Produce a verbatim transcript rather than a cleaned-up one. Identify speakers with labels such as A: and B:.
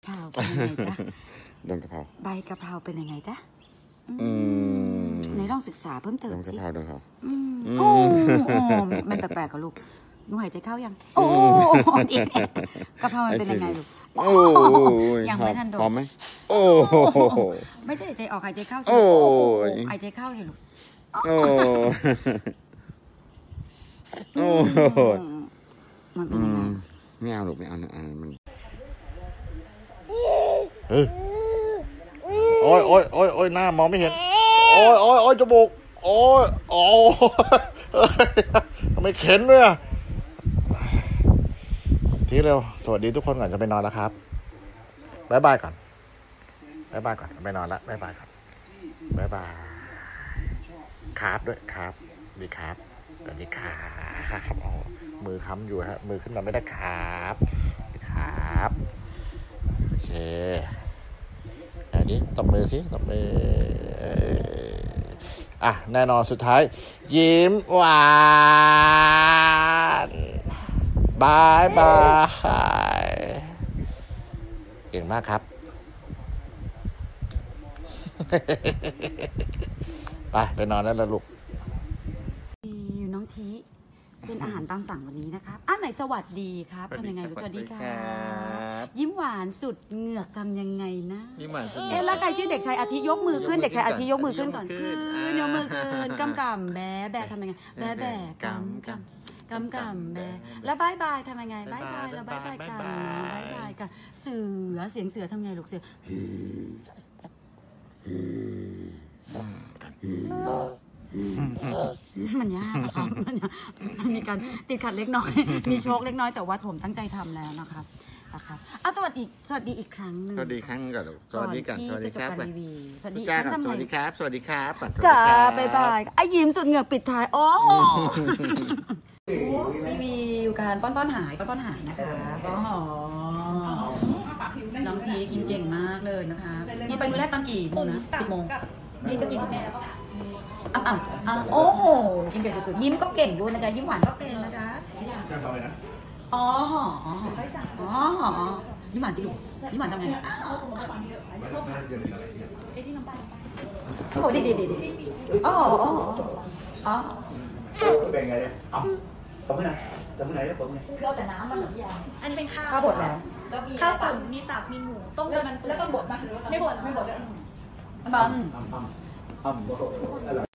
A: เพราเป็นยังไงจ๊ะ
B: ดงกะเพรา
A: ใบกะเพราเป็นยังไงจ๊ะ
B: อืม
A: ในลองศึกษาเพิ่มเติมสิ
B: ดงกะเพราดงกะเพรา
A: โอ้มันแปลกๆกับลูกหนูหายใจเข้ายังโอ้อีกกะเพรามันเป็นยังไงลูกโอ้ยังไม่ทันโดน
B: พร้อมไหมโอ้
A: ไม่ใช่หายใจออกหายใจเข้าสิ
B: โอ้
A: หายใจเข้าสิลูก
B: โอ้โอ้
A: มันเป็นยังไง
B: ไม่เอาลูกไม่เอานะมัน
C: เฮ้ยโอ้ยโอ้ยโอ้ยโอ้ยหน้ามองไม่เห็นโอ้ยโอ้ยโอ้ยจมูกโอ้ยโอ้ยทำไมเข็นด้วยอ่ะทีเร็วสวัสดีทุกคนก่อนจะไปนอนแล้วครับบ๊ายบายก่อนบ๊ายบายก่อนไปนอนแล้วบ๊ายบายก่อนบ๊ายบายครับด้วยครับดีครับสวัสดีครับเอามือค้ำอยู่ฮะมือขึ้นมาไม่ได้ครับครับโอเคอันนี้ตบมือสิตบมืออ่ะแน่นอนสุดท้ายยิ้มหวานบายบายเก่งมากครับไปไปนอนได้แล้วลูก
A: น้องทีเป็นอาหารตามสั่งวันนี้นะครับอ่ะไหนสวัสดีครับทำยังไงสวัสดีครับยิ้มหวานสุดเหงือกทำยังไงนะ
D: ยิ้มหวานสุด
A: เอ๊ะแล้วใครชื่อเด็กชายอาทิยกมือขึ้นเด็กชายอาทิยกมือขึ้นก่อนขึ้นยกมือขึ้นกำกำแบแบทำยังไงแบแบกำกำกำกำแบแล้วบายบายทำยังไงบายบายแล้วบายบายกันบายบายกันเสือเสียงเสือทำไงลูกเสือมันยากนะครับมันมีการติดขัดเล็กน้อยมีโชคเล็กน้อยแต่ว่าผมตั้งใจทำแล้วนะครับนะครับอ่ะสวัสดีสวัสดีอีกครั้งนึง
B: สวัสดีครั้งก่อนสวัสดีกันสวัสดีครับ
A: สวัสดี
B: ครับสวัสดีครับสวัสดีครับ
A: จ้าบ๊ายบายไอ้ยิ้มสุดเหงือกปิดท้ายโอ้รีวิวการป้อนป้อนหายป้อนป้อนหายนะคะป้อนหอน้องทีกินเก่งมากเลยนะคะนี่ไปมื้อแรกตอนกี่โมงนะสิบโมงนี่ก็กินแม่อ่ะอ่ะอ่ะโอ้โหกินเก่งสุดๆยิ้มก็เก่งด้วยนะจ๊ะยิ้มหวานก็เป็นนะจ๊ะอ๋อหออ๋อหอยิ้มหวานสิลูกยิ้มหวานทำไงโอ้ดีดีดีดีอ๋ออ๋ออ๋อ
C: เป็นไงเนี่ยเอาทำไมนะทำไมเนี่ยผมเนี่ย
E: คือเอาแต่น้ำมันหรือยังอันเป็นข้าว
A: ข้าวบดแล้ว
E: ข้าวตุ๋นมีตับมีหมูต้มกับมัน
C: แล้วต้องบดไหม
E: ไม่บด
C: ไม่บดแล้ว
A: บัง
C: อ้ำอ้ำอ้ำ